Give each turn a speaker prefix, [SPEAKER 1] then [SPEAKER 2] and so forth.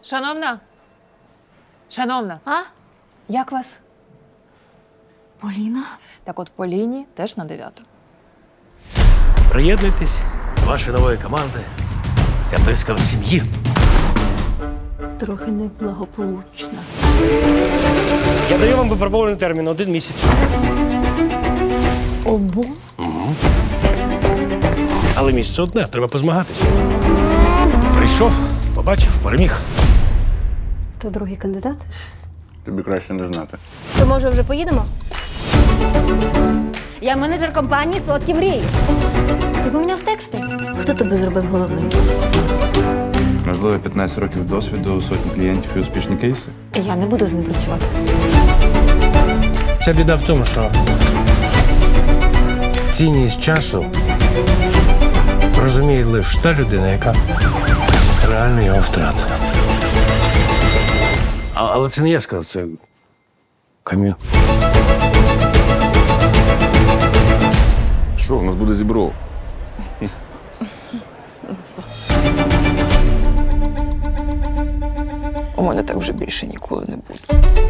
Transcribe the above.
[SPEAKER 1] Шановна? Шановна,
[SPEAKER 2] А?
[SPEAKER 1] як вас?
[SPEAKER 2] Поліна?
[SPEAKER 1] Так от по лінії теж на 9.
[SPEAKER 3] Приєднуйтесь до вашої нової команди. Я б сказав, сім'ї.
[SPEAKER 2] Трохи неблагополучна.
[SPEAKER 3] Я даю вам випробований термін 1 місяць.
[SPEAKER 2] Обом?
[SPEAKER 3] Але місце одне, треба позмагатися. Прийшов, побачив, переміг.
[SPEAKER 2] То другий кандидат?
[SPEAKER 4] Тобі краще не знати.
[SPEAKER 2] То може вже поїдемо? Я менеджер компанії «Солодкі мрії». Ти поміняв тексти? Хто тебе зробив головним?
[SPEAKER 4] Можливо, 15 років досвіду, сотні клієнтів і успішні кейси.
[SPEAKER 2] Я не буду з ним працювати.
[SPEAKER 3] Ця біда в тому, що цінність часу розуміє лише та людина, яка реально його втратила. Але це не я сказав, це Кам'ю.
[SPEAKER 4] Що, у нас буде зібро?
[SPEAKER 1] У мене так вже більше ніколи не буде.